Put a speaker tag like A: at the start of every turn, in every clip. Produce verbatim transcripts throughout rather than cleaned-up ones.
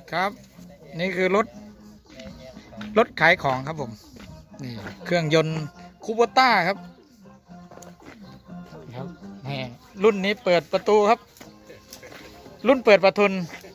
A: ครับนี่คือรถรถขายของครับผมนี่เครื่องยนต์คูโบต้าครับครับนี่รุ่นนี้เปิดประตูครับรุ่นเปิดประทุน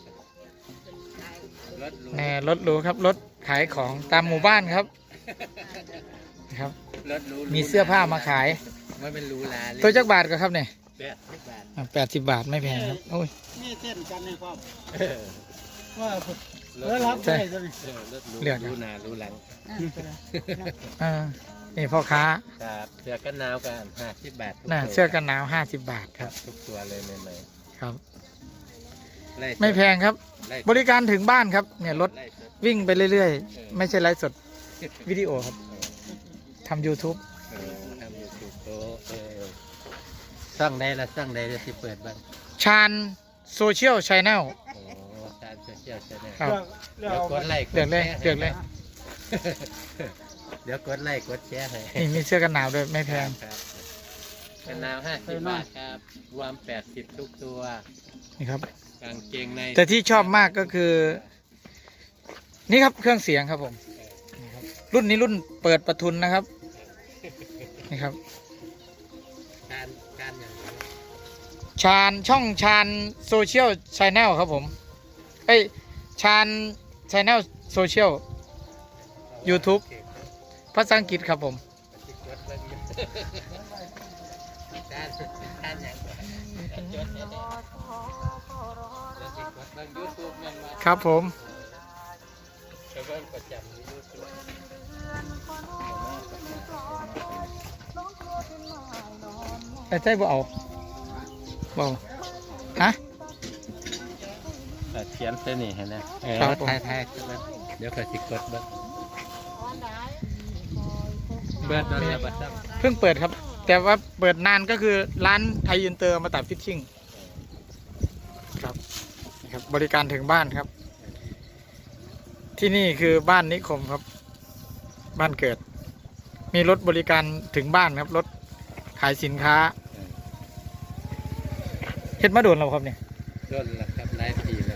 A: นี่รถหรูครับรถขายของตามหมู่บ้านครับครับมีเสื้อผ้ามาขาย
B: ไม่เป็นรูลาเลย
A: ตัวจักบาทก็ครับเนี่ย
B: แปดสิบบาท
A: แปดสิบบาทไม่แพงครับโอ้ย
C: นี่เส้นกันในความว่าเออรับได้ตัวนี้
A: เลือก
B: รูนารูหลัง
A: อ่านี่พ่อค้า
B: ครับเสื้อกันหนาวกันห้าสิบบาท
A: น่ะเสื้อกันหนาวห้าสิบบาทครับ
B: ทุกตัวเลยใหม่
A: ๆครับไม่แพงครับบริการถึงบ้านครับเนี่ยรถวิ่งไปเรื่อยๆไม่ใช่ไลฟ์สดวิดีโอครับทำ ยูทูบ
B: ทำยูทูบโอ้สร้างได้ละสร้างได้ที่เปิดบ้าง
A: ชาญโซเชียลชาแนล
B: โอ้ชาญโซเชียลชาแนล
A: ครับ
B: เดี๋ยวกดไลค์
A: เดือดเลยเดือดเลย
B: เดี๋ยวกดไลค์กดแชร์ให้
A: นี่มีเสื้อกันหนาวด้วยไม่แพง
B: กันหนาวห้าสิบบาทครับรวมแปดสิบทุกตัว
A: นี่ครับ
B: กางเกงใน
A: แต่ที่ชอบมากก็คือนี่ครับเครื่องเสียงครับผมรุ่นนี้รุ่นเปิดประทุนนะครับนี่ครับ
B: การการอย่าง
A: ชาญช่องชาญโซเชียลชาแนลครับผมเอ้ยชาญชาแนลโซเชียล ยูทูบ ภาษาอังกฤษครับผมครับผมแต่ใจบ่เอาบ่ฮะ
B: เขียนเส้นนี่เห็นไหมเออทายทายเดี๋ยวก็สิกดเบิร์ดเบิร์ดนั่นแหละบัด
A: เพิ่งเปิดครับแต่ว่าเปิดนานก็คือร้านไทยอินเตอร์มาตัดฟิชชิ่งครับนะครับบริการถึงบ้านครับที่นี่คือบ้านนิคมครับบ้านเกิดมีรถบริการถึงบ้านครับรถขายสินค้าเฮ็ดมาโดนเราครับเนี่ย
B: โดนแล้วครับหลายปีแล้ว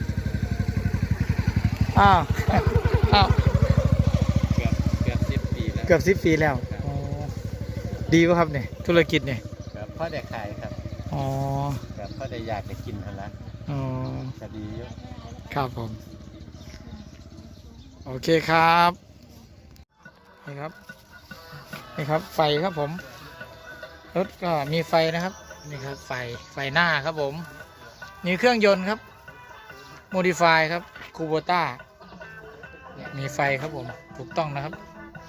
A: อ้าวอ้าว
B: เกือบเกือบสิบปีแล้ว
A: เกือบสิบปีแล้วดีป่ะครับเนี่ยธุรกิจเนี่ย
B: ครับพ่อได้ขายครับ
A: อ๋อ
B: ครับพ่อได้อยากได้กินทันละ
A: อ๋อ
B: จะดีเยอะ
A: ครับผมโอเคครับนี่ครับนี่ครับไฟครับผมรถก็มีไฟนะครับนี่ครับไฟไฟหน้าครับผมมีเครื่องยนต์ครับโมดิฟายครับคูโบต้ามีไฟครับผมถูกต้องนะครับ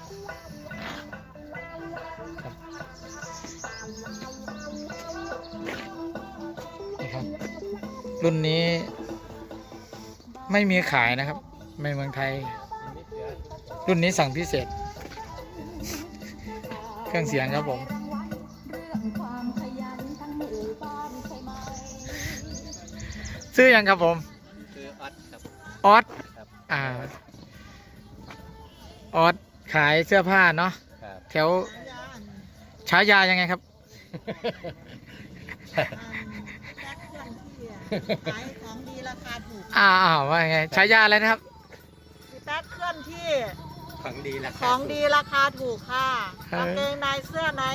A: นี่ครับรุ่นนี้ไม่มีขายนะครับในเมืองไทยรุ่นนี้สั่งพิเศษเครื่องเสียงครับผมซื้อยังครับผม
B: ซื้อออสครับ
A: ออสอ่าออสขายเสื้อผ้าเนาะแถวฉายายังไงครับ
C: ขายของดีราคาถูก
A: อ้าวว่าไงฉายาอะไรนะครับ
C: พี่แป๊กเคลื่อนที่
B: ของดีราคา
C: ของดีราคาถูกค่ะกางเกงในเสื้อใน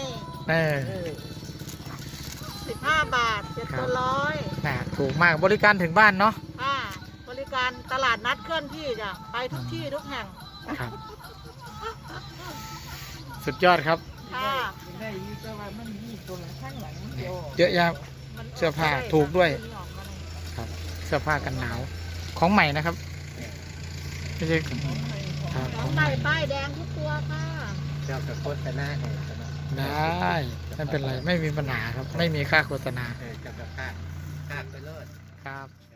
C: สิบห้าบาทเจ็ดตัวร้อย
A: น่ะถูกมากบริการถึงบ้านเนาะ
C: ค่ะบริการตลาดนัดเคลื่อนที่จ้ะไปทุกที่ทุกแห่ง
A: ครับสุดยอดครับ
C: ค่ะ
A: เยอะแยะเสื้อผ้าถูกด้วยครับเสื้อผ้ากันหนาวของใหม่นะครับไม่ใช่
C: ของใหม่ป้ายแดงทุกตัวค่ะ
B: เจ้ากับโฆษณาให้
A: ได้ไม่เป็นไรไม่มีปัญหาครับไม่มีค่าโฆษณา
B: เจ้ากับค่าค่าไปเลย
A: ครับ